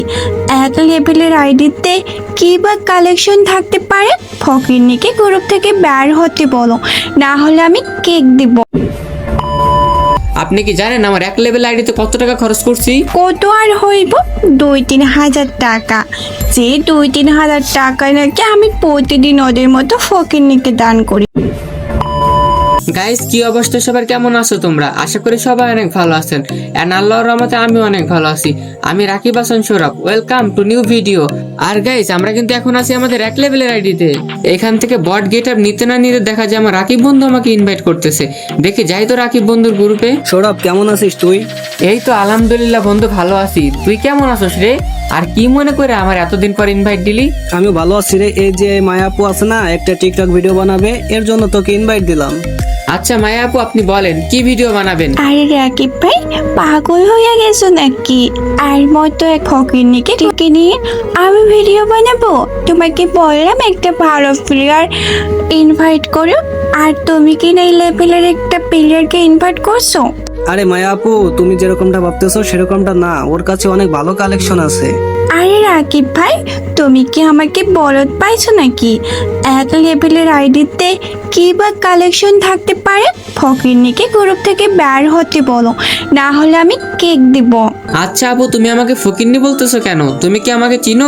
এক লেভেলের আইডিতে কি বা কালেকশন থাকতে পারে? ফকিরনিকে গ্রুপ থেকে বের হতে বলো, না হলে আমি কেক দিব। আপনি কি জানেন আমার এক লেভেল আইডিতে কত টাকা খরচ করছি? কত আর হইব? 2-3 হাজার টাকা। যে 2-3 হাজার টাকা নাকি আমি প্রতিদিন ওদের মতো ফকিরনিকে দান করি। গাইস, কি অবস্থা সবার, কেমন আছো তোমরা? আশা করি সবাই অনেক ভালো আছেন। এন্ড আল্লাহর রহমতে আমি অনেক ভালো আছি। আমি Rakib Hasan Sourav, welcome to new video. আর গাইস, আমরা কিন্তু এখন আছি আমাদের এক লেভেলের আইডিতে। এখান থেকে বট গেট আপ নিতে না নিতে দেখা যায় আমার রাকিব বন্ধু আমাকে ইনভাইট করতেছে। দেখে যাই তো রাকিব বন্ধুর গ্রুপে। সৌরভ, কেমন আছিস তুই? এই তো আলহামদুলিল্লাহ বন্ধু, ভালো আছি। তুই কেমন আছিস রে? আর কি মনে করে আমার এতদিন পর ইনভাইট দিলি? আমিও ভালো আছি রে। এই যে মায়া আপু আছে না, একটা টিকটক ভিডিও বানাবে, এর জন্য তোকে ইনভাইট দিলাম। আচ্ছা মায়া আপু, আপনি বলেন কি ভিডিও বানাবেন? আরে রাকিব ভাই, পাগল হয়ে গেছো নাকি? আর মতো এক ফকিরনিকে ডেকে নিয়ে আমি ভিডিও বানাবো? তোমাকে বললাম একটা ভালো প্লেয়ার ইনভাইট করো, আর তুমি কি না এই লেভেলের একটা প্লেয়ারকে ইনভাইট করছো? আরে মায়া আপু, তুমি যেরকমটা ভাবতেছো সেরকমটা না, ওর কাছে অনেক ভালো কালেকশন আছে। আরে রাকিব ভাই, তুমি কি আমাকে বলদ পাইছো নাকি? এক লেভেলের আইডিতে কি বা কালেকশন থাকতে পারে? ফকিরনিকে গ্রুপ থেকে বের হতে বলো, না হলে আমি কেক দিব। আচ্ছা আপু, তুমি আমাকে ফকিন্নি বলতেছো কেন? তুমি কি আমাকে চিনো?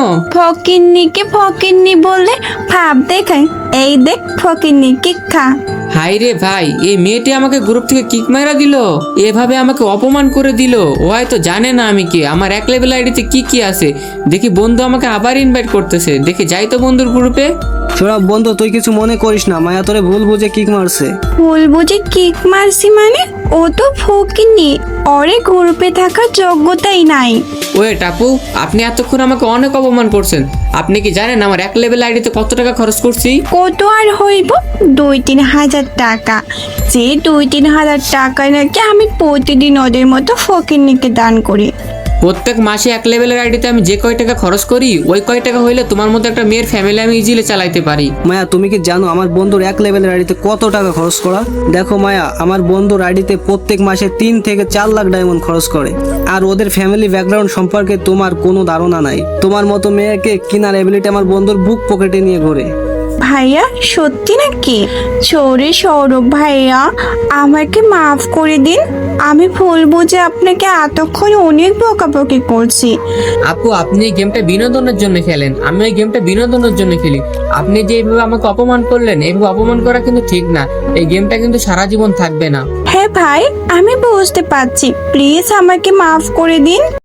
ফকিরনি বললে ভাব দেখায়। এই দেখ ফকিরনি, কেক খা। হাই রে ভাই, এই মেয়েটি আমাকে গ্রুপ থেকে কিক মারা দিল, এভাবে আমাকে অপমান করে দিল। ও হয়তো জানে না আমি কি, আমার এক লেভেল আইডিতে কি কি আছে। দেখি বন্ধু আমাকে আবার ইনভাইট করতেছে, দেখি যাই তো বন্ধুর গ্রুপে। সৌরভ বন্ধু, তুই কিছু মনে করিস না, মায়া তোরে ভুল বুঝে কিক মারছে। ভুল বুঝে কিক মারছি মানে? ও তো ফকিরনি, ওরে গ্রুপে থাকার যোগ্যতাই নাই। ওয়েট আপু, আপনি এতক্ষণ আমাকে অনেক অপমান করছেন। আপনি কি জানেন আমার এক লেভেল আইডিতে কত টাকা খরচ করছি? কত আর হইব? 2-3 হাজার টাকা। যে 2-3 হাজার টাকা নাকি আমি প্রতিদিন ওদের মতো ফকিরনিকে দান করি। প্রত্যেক মাসে এক লেভেলের আইডিতে আমি যে কয় টাকা খরচ করি, ওই কয় টাকা হইলে তোমার মতো একটা মেয়ের ফ্যামিলি আমি ইজিলি চালাইতে পারি। মায়া, তুমি কি জানো আমার বন্ধুর এক লেভেলের আইডিতে কত টাকা খরচ করা? দেখো মায়া, আমার বন্ধুর আইডিতে প্রত্যেক মাসে 3 থেকে 4 লাখ ডায়মন্ড খরচ করে। আর ওদের ফ্যামিলি ব্যাকগ্রাউন্ড সম্পর্কে তোমার কোনো ধারণা নাই। তোমার মতো মেয়েকে কিনার এবিলিটি আমার বন্ধুর বুক পকেটে নিয়ে ঘোরে। ভাইয়া, সত্যি নাকি? চোরে সৌরভ ভাইয়া, আমাকে মাফ করে দিন। আমি ভুল বুঝে আপনাকে এতক্ষণ অনেক বকাবকি করছি। আপু, আপনি এই গেমটা বিনোদনের জন্য খেলেন, আমি এই গেমটা বিনোদনের জন্য খেলি। আপনি যে এইভাবে আমাকে অপমান করলেন, এইভাবে অপমান করা কিন্তু ঠিক না। এই গেমটা কিন্তু সারা জীবন থাকবে না। হ্যাঁ ভাই, আমি বুঝতে পারছি, প্লিজ আমাকে মাফ করে দিন।